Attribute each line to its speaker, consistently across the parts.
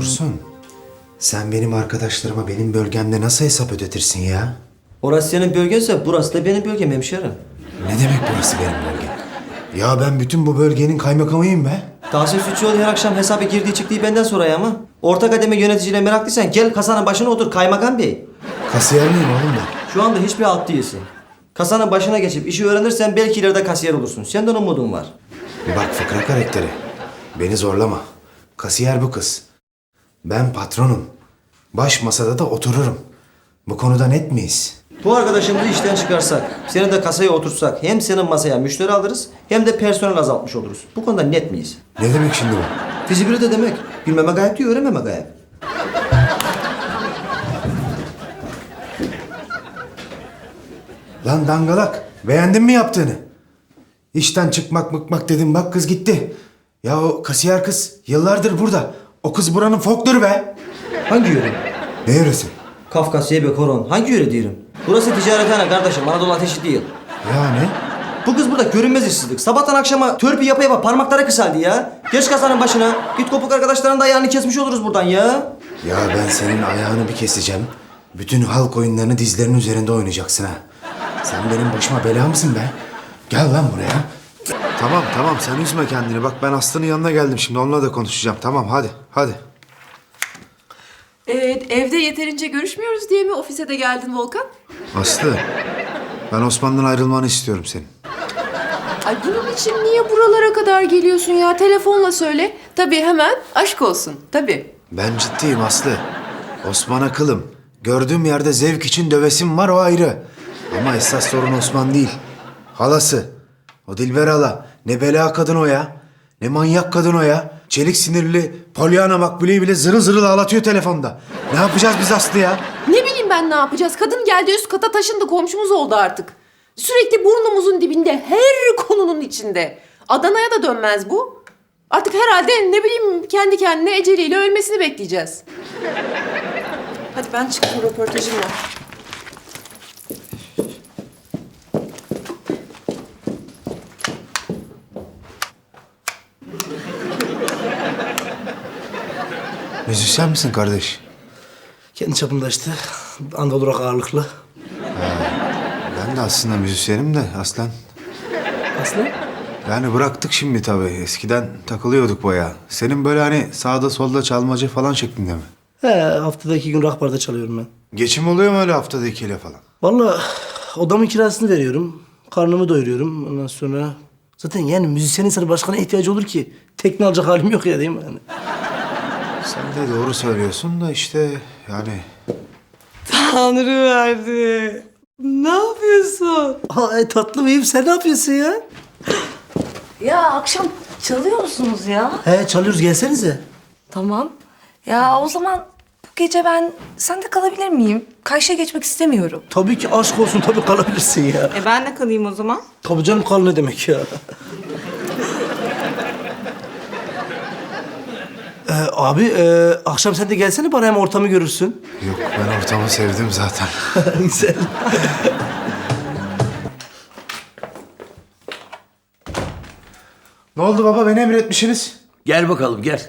Speaker 1: Dursun, sen benim arkadaşlarıma benim bölgemde nasıl hesap ödetirsin ya?
Speaker 2: Orası senin bölgense burası da benim bölgem hemşerim.
Speaker 1: Ne demek burası benim bölgem? Ya ben bütün bu bölgenin kaymakamıyım be.
Speaker 2: Tahsin Sütçüoğlu her akşam hesabı girdiği çıktığı benden soraya ama. Orta kademe yöneticiyle meraklıysan gel kasanın başına otur kaymakam bey.
Speaker 1: Kasiyer miyim oğlum ben?
Speaker 2: Şu anda hiçbir alt değilsin. Kasanın başına geçip işi öğrenirsen belki ileride kasiyer olursun. Senden umudum var.
Speaker 1: Bak fıkra karakteri, beni zorlama. Kasiyer bu kız. Ben patronum. Baş masada da otururum. Bu konuda net miyiz?
Speaker 2: Bu arkadaşımızı işten çıkarsak, seni de kasaya oturtsak hem senin masaya müşteri alırız hem de personel azaltmış oluruz. Bu konuda net miyiz?
Speaker 1: Ne demek şimdi bu?
Speaker 2: Fizibilite demek. Bilmeme gayet diyor, öğrenmeme gayet.
Speaker 1: Lan dangalak, beğendin mi yaptığını? İşten çıkmak mıkmak dedim, bak kız gitti. Ya o kasiyer kız yıllardır burada. O kız buranın folkloru be.
Speaker 2: Hangi yöre?
Speaker 1: Ne yöresi?
Speaker 2: Kafkasya be koron. Hangi yöre diyorum? Burası ticarethane kardeşim, Anadolu ateşi değil.
Speaker 1: Yani?
Speaker 2: Bu kız burada görünmez işsizlik. Sabahtan akşama törpü yapa yapa parmakları kısaldı ya. Geç kasanın başına. Git kopuk arkadaşların da ayağını kesmiş oluruz buradan ya.
Speaker 1: Ya ben senin ayağını bir keseceğim. Bütün halk oyunlarını dizlerinin üzerinde oynayacaksın ha. Sen benim başıma bela mısın be? Gel lan buraya. Tamam tamam sen üzme kendini. Bak ben Aslı'nın yanına geldim şimdi. Onunla da konuşacağım. Tamam hadi.
Speaker 3: Evde yeterince görüşmüyoruz diye mi ofise de geldin Volkan?
Speaker 1: Aslı, ben Osman'dan ayrılmanı istiyorum senin.
Speaker 3: Ay bunun için niye buralara kadar geliyorsun ya? Telefonla söyle. Tabii hemen aşk olsun. Tabii.
Speaker 1: Ben ciddiyim Aslı. Osman'a kılım. Gördüğüm yerde zevk için dövesim var, o ayrı. Ama esas sorun Osman değil. Halası. O Dilber hala. Ne bela kadın o ya. Ne manyak kadın o ya. Çelik sinirli Pollyanna Makbule'yi bile zırıl zırıl ağlatıyor telefonda. Ne yapacağız biz Aslı ya?
Speaker 3: Ne bileyim ben ne yapacağız? Kadın geldi üst kata taşındı, komşumuz oldu artık. Sürekli burnumuzun dibinde, her konunun içinde. Adana'ya da dönmez bu. Artık herhalde ne bileyim kendi kendine eceliyle ölmesini bekleyeceğiz. Hadi ben çıktım, röportajım var.
Speaker 1: Müzisyen misin kardeş?
Speaker 4: Kendi çapımda işte. Anadolu rock ağırlıklı.
Speaker 1: Ben de aslında müzisyenim de aslen.
Speaker 4: Aslı?
Speaker 1: Yani bıraktık şimdi tabii. Eskiden takılıyorduk bayağı. Senin böyle hani sağda solda çalmacı falan şeklinde mi?
Speaker 4: He, haftada 2 gün rock barda çalıyorum ben.
Speaker 1: Geçim oluyor mu öyle haftada 2'le falan?
Speaker 4: Vallahi odamın kirasını veriyorum. Karnımı doyuruyorum. Ondan sonra... Zaten yani müzisyenin sana başka ne ihtiyacı olur ki? Tekne alacak halim yok ya, değil mi? Yani.
Speaker 1: Sen de doğru söylüyorsun da işte yani...
Speaker 5: Tanrı verdi. Ne yapıyorsun?
Speaker 4: Aa, tatlım iyiyim. Sen ne yapıyorsun ya?
Speaker 5: Ya akşam çalıyor musunuz ya?
Speaker 4: He, çalıyoruz. Gelsenize.
Speaker 5: Tamam. Ya o zaman bu gece ben sende kalabilir miyim? Karşıya geçmek istemiyorum.
Speaker 4: Tabii ki aşk olsun. Tabii kalabilirsin ya.
Speaker 5: Ben de kalayım o zaman.
Speaker 4: Tabii canım, kal ne demek ya? Abi, akşam sen de gelsene, bana hem ortamı görürsün.
Speaker 1: Yok ben ortamı sevdim zaten.
Speaker 4: Güzel.
Speaker 1: Ne oldu baba, beni emretmişsiniz?
Speaker 6: Gel bakalım gel.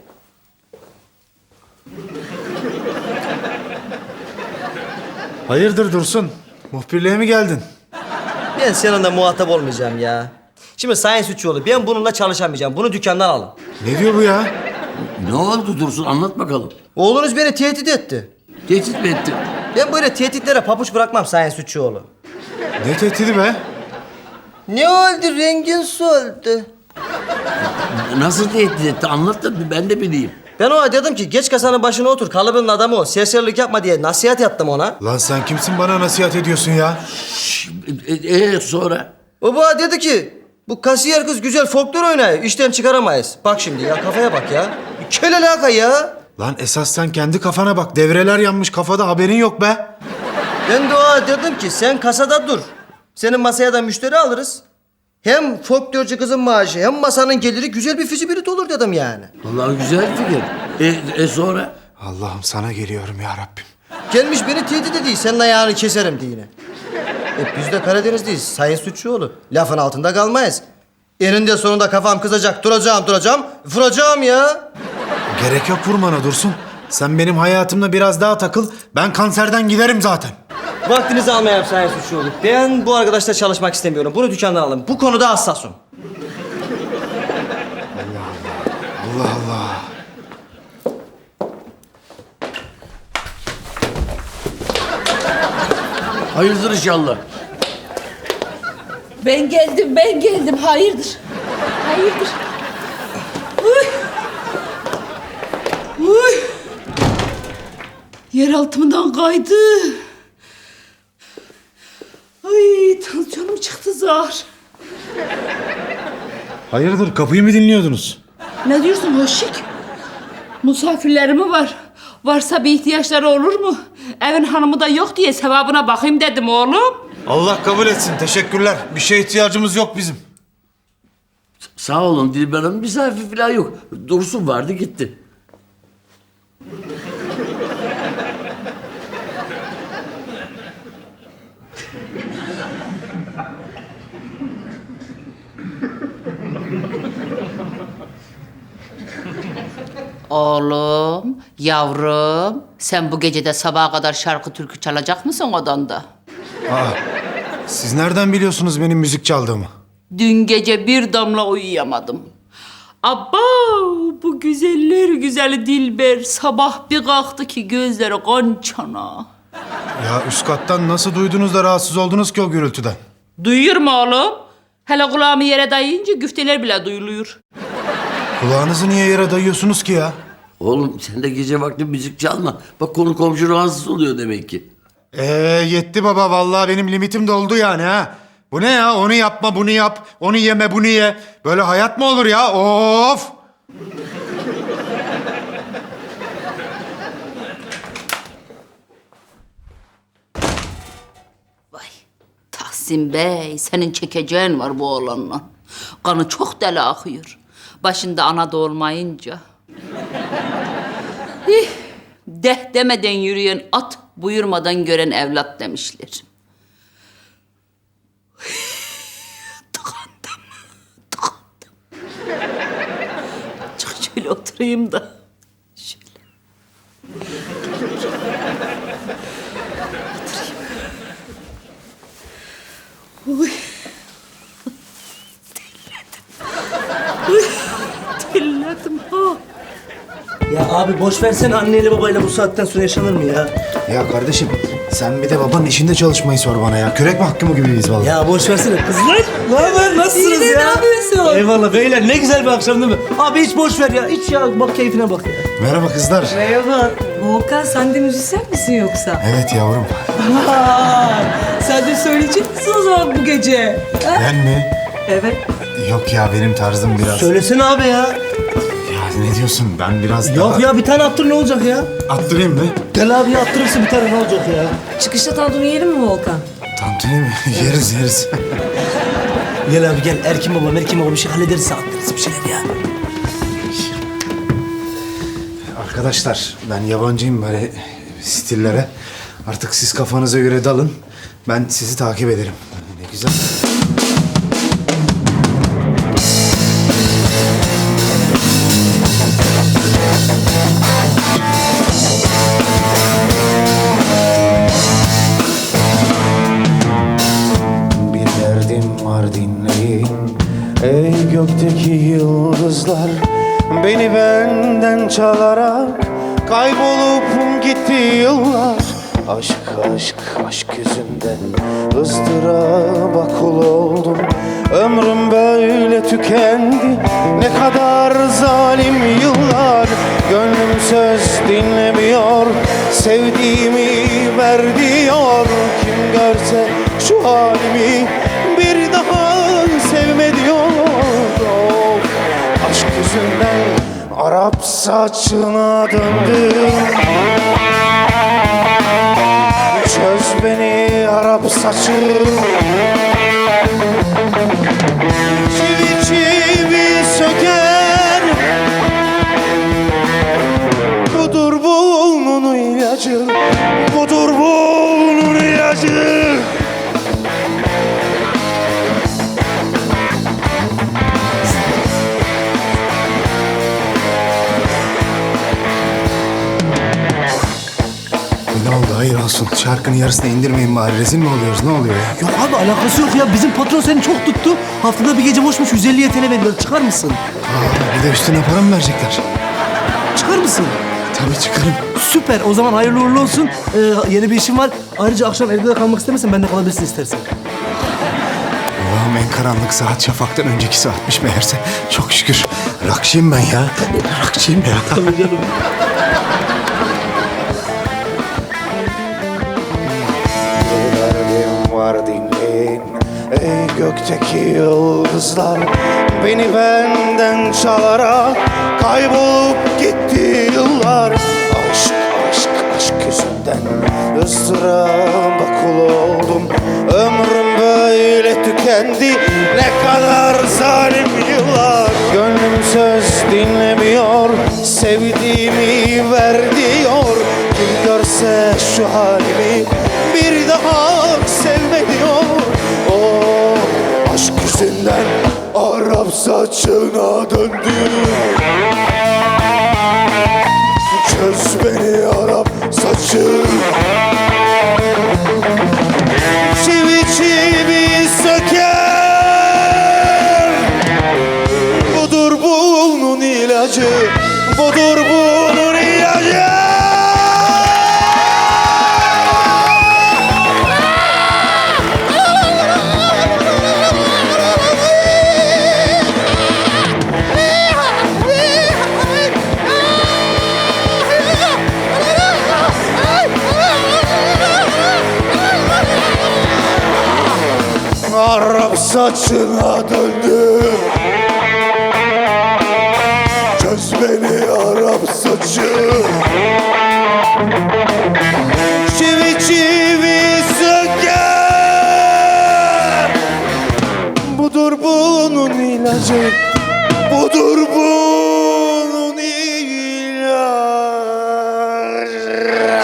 Speaker 1: Hayırdır Dursun? Muhbirliğe mi geldin?
Speaker 2: Ben seninle muhatap olmayacağım ya. Şimdi Sayın Sütçüoğlu, ben bununla çalışamayacağım. Bunu dükkandan alın.
Speaker 1: Ne diyor bu ya?
Speaker 6: Ne oldu Dursun anlat bakalım.
Speaker 2: Oğlunuz beni tehdit etti.
Speaker 6: Tehdit mi ettin?
Speaker 2: Ben böyle tehditlere papuç bırakmam Sayın Sütçüoğlu.
Speaker 1: Ne tehdidi be?
Speaker 2: Ne oldu, rengin soldu?
Speaker 6: Nasıl tehdit etti anlat da ben de bileyim.
Speaker 2: Ben ona dedim ki geç kasanın başına otur, kalıbının adamı o. Serserilik yapma diye nasihat yaptım ona.
Speaker 1: Lan sen kimsin bana nasihat ediyorsun ya?
Speaker 6: Sonra?
Speaker 2: O bana dedi ki bu kasiyer kız güzel folklor oynuyor, işten çıkaramayız. Bak şimdi ya, kafaya bak ya. Kel alaka ya.
Speaker 1: Lan esas sen kendi kafana bak. Devreler yanmış kafada, haberin yok be.
Speaker 2: Ben de ona dedim ki sen kasada dur. Senin masaya da müşteri alırız. Hem folklorcu kızın maaşı hem masanın geliri, güzel bir fizibilite olur dedim yani.
Speaker 6: Vallahi güzel fikir. Sonra?
Speaker 1: Allah'ım sana geliyorum ya Rabbim.
Speaker 2: Gelmiş beni tehdit ediyor, senin ayağını keserim diye. Biz de Karadenizliyiz Sayın Sütçüoğlu. Lafın altında kalmayız. Eninde sonunda kafam kızacak, duracağım, vuracağım ya.
Speaker 1: Gerek yok vurmana Dursun. Sen benim hayatımda biraz daha takıl. Ben kanserden giderim zaten.
Speaker 2: Vaktinizi almayayım Sayın Suçluoğlu. Ben bu arkadaşla çalışmak istemiyorum. Bunu dükkandan alın. Bu konuda hassasım.
Speaker 1: Allah Allah.
Speaker 6: Hayırdır inşallah.
Speaker 7: Ben geldim. Hayırdır? Hayırdır? Uy. Uy. Yer altımdan kaydı. Ay, tansiyonum çıktı zar.
Speaker 1: Hayırdır kapıyı mı dinliyordunuz?
Speaker 7: Ne diyorsun Hoşik? Misafirlerim var. Varsa bir ihtiyaçları olur mu? Evin hanımı da yok diye sevabına bakayım dedim oğlum.
Speaker 1: Allah kabul etsin. Teşekkürler. Bir şeye ihtiyacımız yok bizim.
Speaker 6: Sağ olun Dilber Hanım. Misafir falan yok. Dursun vardı gitti.
Speaker 7: Oğlum, yavrum, sen bu gece de sabaha kadar şarkı türkü çalacak mısın odanda?
Speaker 1: Siz nereden biliyorsunuz benim müzik çaldığımı?
Speaker 7: Dün gece bir damla uyuyamadım. Abba, bu güzeller güzeli Dilber sabah bir kalktı ki gözleri kan çana.
Speaker 1: Ya üst kattan nasıl duydunuz da rahatsız oldunuz ki o gürültüden?
Speaker 7: Duyuyor mu oğlum? Hele kulağımı yere dayayınca güfteler bile duyuluyor.
Speaker 1: Kulağınızı niye yere dayıyorsunuz ki ya?
Speaker 6: Oğlum sen de gece vakti müzik çalma. Bak konu komşu rahatsız oluyor demek ki.
Speaker 1: Yetti baba. Vallahi benim limitim doldu yani ha. Bu ne ya? Onu yapma, bunu yap. Onu yeme, bunu ye. Böyle hayat mı olur ya? Of!
Speaker 7: Vay Tahsin Bey, senin çekeceğin var bu oğlanla. Kanı çok deli akıyor. Başında ana da olmayınca. Deh demeden yürüyen at, buyurmadan gören evlat demişler. Tıkandım. Çık şöyle oturayım da. Şöyle. Oturayım. Uy. Terledim ha.
Speaker 4: Ya abi boş versene anneyle babayla bu saatten sonra yaşanır mı ya?
Speaker 1: Ya kardeşim sen bir de babanın işinde çalışmayı sor bana ya. Kürek mahkumu gibiyiz vallahi.
Speaker 4: Ya boş versene kızlar. Ne haber? Nasılsınız ya?
Speaker 5: Ne yapıyorsun?
Speaker 4: Eyvallah beyler ne güzel bir akşam değil mi? Abi hiç boş ver ya. Hiç ya bak keyfine bak ya.
Speaker 1: Merhaba kızlar.
Speaker 5: Merhaba. Volkan sen de müzisyen misin yoksa?
Speaker 1: Evet yavrum.
Speaker 5: Sen de söyleyecek misin o zaman bu gece?
Speaker 1: Ben mi?
Speaker 5: Evet.
Speaker 1: Yok ya benim tarzım biraz...
Speaker 4: Söylesene abi ya.
Speaker 1: Ya ne diyorsun? Ben biraz daha...
Speaker 4: Yok ya bir tane attır ne olacak ya?
Speaker 1: Attırayım mı?
Speaker 4: Gel abi attırırsın bir tane ne olacak ya?
Speaker 5: Çıkışta tantuni yiyelim mi Volkan?
Speaker 1: Tantuni mi? yeriz.
Speaker 4: Gel abi gel Erkin baba bir şey hallederiz sen attırırsın bir şeyler ya.
Speaker 1: Arkadaşlar ben yabancıyım böyle stillere. Artık siz kafanıza göre dalın. Ben sizi takip ederim. Ne güzel. Bir derdim var dinleyin. Ey gökteki yıldızlar, beni benden çalarak kaybolup gitti yıllar. Aşk yüzünden ızdıraba kul oldum. Ömrüm böyle tükendi, ne kadar zalim yıllar. Gönlüm söz dinlemiyor, sevdiğimi ver diyor. Kim görse şu halimi bir daha sevme diyor. Of, aşk yüzünden Arap saçına döndüm. Çöz beni Arap saçı. Çivi çivi söker. Budur bunun ilacı. Budur bunun ilacı. hayır olsun. Şarkının yarısını indirmeyin bari. Rezil mi oluyoruz? Ne oluyor ya?
Speaker 4: Yok abi alakası yok ya. Bizim patron seni çok tuttu. Haftada bir gece boşmuş 150 TL veriyor. Çıkar mısın?
Speaker 1: Bir de üstüne para mı verecekler?
Speaker 4: Çıkar mısın?
Speaker 1: Tabii çıkarım.
Speaker 4: Süper. O zaman hayırlı uğurlu olsun. Yeni bir işim var. Ayrıca akşam evde de kalmak istemezsen ben de kalabilirsin istersen.
Speaker 1: Allah'ım en karanlık saat şafaktan önceki saatmiş meğerse. Çok şükür. Rakçıyım ben ya. Rakçıyım ya.
Speaker 4: Tabii canım.
Speaker 8: Derdim var dinleyin ey gökteki yıldızlar. Beni benden çalarak kaybolup gitti yıllar. Aşk aşk aşk yüzünden ıstıraba kul oldum. Ömrüm böyle tükendi, ne kadar zalim yıllar. Gönlüm söz dinlemiyor, sevdiğimi ver diyor. Kim görse şu halimi bir daha sevme diyor. O aşk yüzünden Arap saçına döndü. Çöz beni Arap saçı. Çivi çivi söker. Budur bunun ilacı. Budur bunun ilacı. Arap saçına döndü. Çöz beni Arap saçı. Çivi çivi söker. Budur bunun ilacı. Budur bunun ilacı.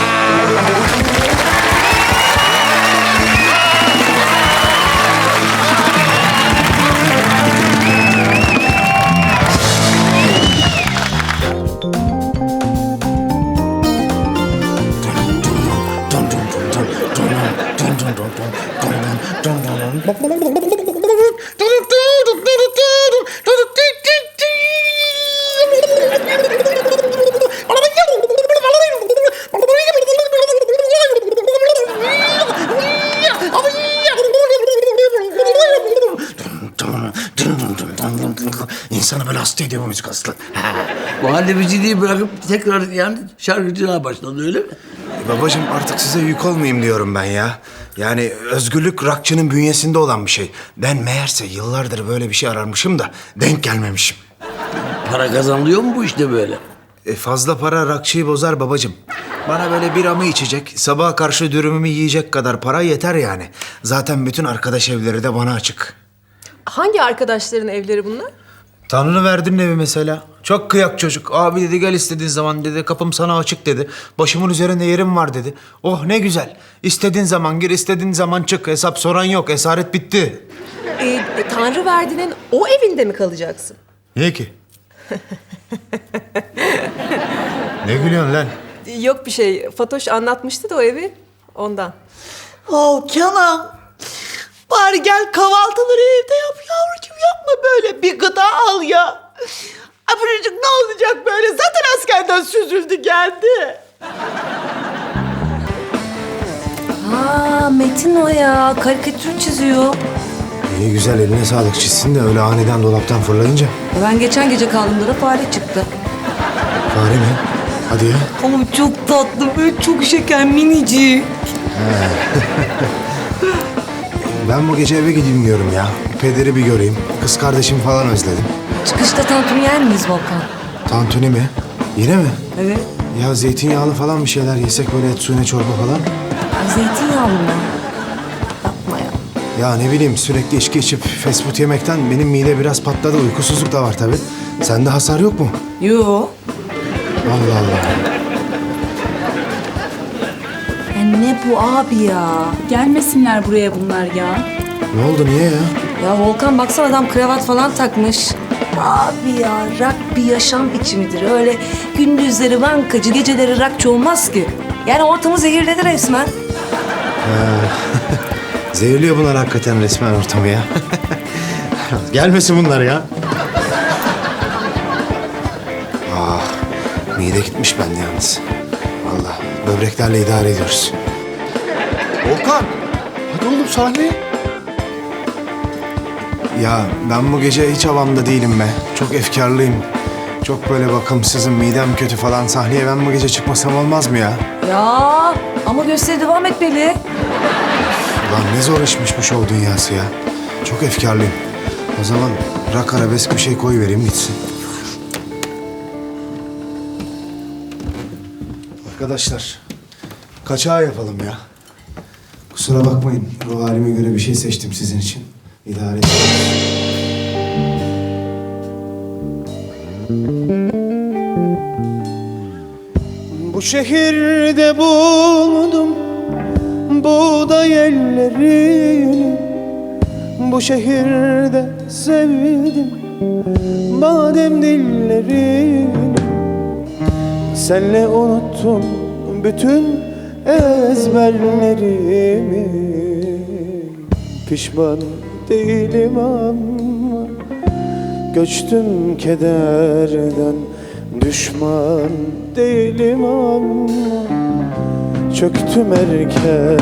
Speaker 1: İnsanı böyle hasta ediyor bu müzik aslı.
Speaker 6: Muhallebiciliği bırakıp tekrar yani şarkıcılığa başladı öyle mi?
Speaker 1: Babacığım artık size yük olmayayım diyorum ben ya. Yani özgürlük rockçının bünyesinde olan bir şey. Ben meğerse yıllardır böyle bir şey ararmışım da denk gelmemişim.
Speaker 6: Para kazanılıyor mu bu işte böyle?
Speaker 1: Fazla para rockçıyı bozar babacığım. Bana böyle biramı içecek, sabaha karşı dürümümü yiyecek kadar para yeter yani. Zaten bütün arkadaş evleri de bana açık.
Speaker 3: Hangi arkadaşların evleri bunlar?
Speaker 1: Tanrı verdin evi mesela. Çok kıyak çocuk. Abi dedi gel istediğin zaman dedi. Kapım sana açık dedi. Başımın üzerinde yerim var dedi. Oh ne güzel. İstediğin zaman gir, istediğin zaman çık. Hesap soran yok. Esaret bitti.
Speaker 3: Tanrı verdiğinin o evinde mi kalacaksın?
Speaker 1: Niye ki? Ne gülüyorsun lan?
Speaker 3: Yok bir şey. Fatoş anlatmıştı da o evi ondan.
Speaker 9: Oh Kenan. Bari gel kahvaltıları evde yap yavrucuğum, yapma böyle. Bir gıda al ya. Ay bu çocuk ne olacak böyle? Zaten askerden süzüldü geldi.
Speaker 5: Aa Metin o ya. Karikatür çiziyor.
Speaker 1: İyi güzel eline sağlık çizsin de öyle aniden dolaptan fırlayınca.
Speaker 5: Ben geçen gece kaldığımda da fare çıktı.
Speaker 1: Fare mi? Hadi ya.
Speaker 5: Ama çok tatlı, böyle çok şeker, minicik.
Speaker 1: Ben bu gece eve gideyim diyorum ya. Pederi bir göreyim. Kız kardeşimi falan özledim.
Speaker 5: Çıkışta tantuni yer miyiz Volkan?
Speaker 1: Tantuni mi? Yine mi?
Speaker 5: Evet.
Speaker 1: Ya zeytinyağlı falan bir şeyler yesek böyle et suyuna çorba falan.
Speaker 5: Zeytinyağlı mı? Yapma ya.
Speaker 1: Ya ne bileyim sürekli içki içip fast food yemekten benim mide biraz patladı. Uykusuzluk da var tabii. Sende hasar yok mu?
Speaker 5: Yo.
Speaker 1: Allah Allah.
Speaker 5: Ya ne bu abi ya?
Speaker 7: Gelmesinler buraya bunlar ya.
Speaker 1: Ne oldu niye ya?
Speaker 5: Ya Volkan baksana adam kravat falan takmış. Abi ya rock bir yaşam biçimidir. Öyle gündüzleri bankacı, geceleri rockçı olmaz ki. Yani ortamı zehirledi resmen.
Speaker 1: Zehirliyor bunlar hakikaten resmen ortamı ya. Gelmesin bunlar ya. Mide gitmiş bende yalnız. Vallahi böbreklerle idare ediyoruz.
Speaker 8: Volkan. Hadi oğlum sahneye.
Speaker 1: Ya ben bu gece hiç havamda değilim be. Çok efkarlıyım. Çok böyle bakımsızım, midem kötü falan. Sahneye ben bu gece çıkmasam olmaz mı ya?
Speaker 5: Ya ama gösteri devam etmeli.
Speaker 1: Ulan ne zor işmiş bu şov dünyası ya. Çok efkarlıyım. O zaman rock arabesk bir şey koyuvereyim gitsin. Arkadaşlar, kaçağı yapalım ya. Kusura bakmayın, ruh halime göre bir şey seçtim sizin için. İdare edin.
Speaker 8: Bu şehirde buldum buğday ellerini. Bu şehirde sevdim badem dillerini. Senle unuttum bütün ezberlerimi. Pişman değilim ama göçtüm kederden. Düşman değilim ama çöktüm erken.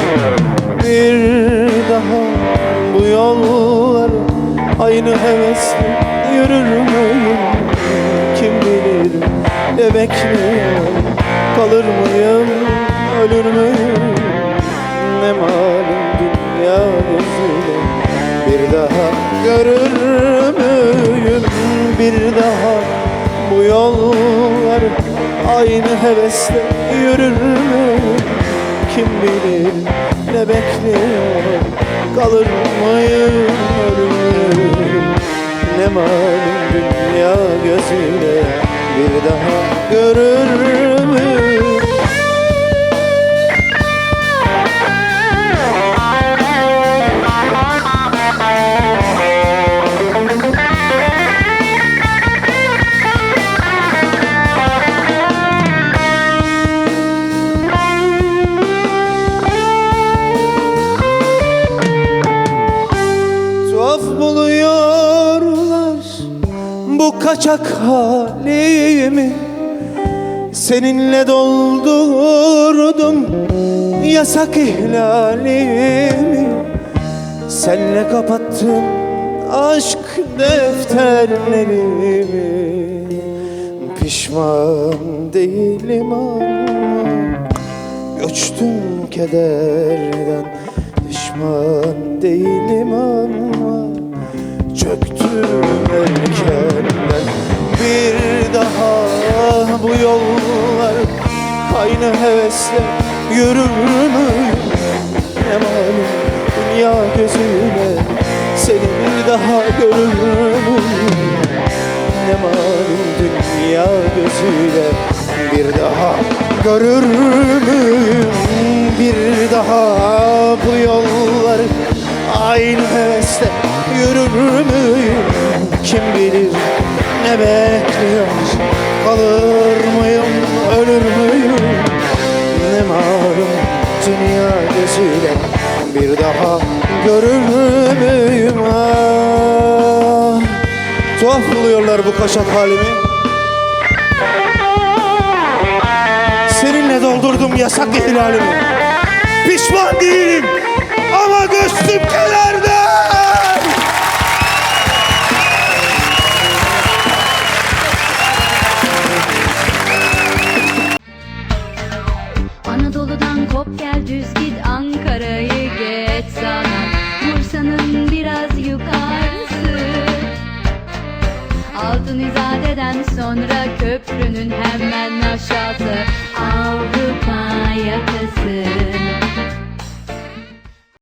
Speaker 8: Bir daha bu yollar aynı hevesle yürür müyüm? Kim bilir ne bekliyor? Kalır mıyım, ölür müyüm? Ne malum dünya gözüyle bir daha görür müyüm? Bir daha bu yollar aynı hevesle yürür müyüm? Kim bilir ne bekliyor? Kalır mıyım, ölür müyüm? Ne malum dünya gözüyle bir daha görür müyüm? Tuhaf buluyorlar bu kaçak halimi. Seninle doldurdum yasak ihlalimi. Senle kapattım aşk defterlerimi. Pişman değilim ama göçtüm kederden. Pişman değilim ama çöktüm erkenden. Bir daha bu yollar aynı hevesle yürür müyüm? Ne malum dünya gözüyle seni bir daha görür müyüm? Ne malum dünya gözüyle bir daha görür müyüm? Bir daha bu yollar aynı hevesle yürür müyüm? Kim bilir ne bekliyor? Kalır mıyım, ölür müyüm? Ne malum dünya gözüyle bir daha görür müyüm? Ah, tuhaf buluyorlar bu kaşak halimi. Seninle doldurdum yasak ihlalimi. Pişman değilim ama göçtüm kederden.
Speaker 10: Anadolu'dan kop gel düz git Ankara'yı geç sana Bursa'nın biraz yukarısı Altın İzade'den sonra köprünün hemen aşağısı Avrupa yakası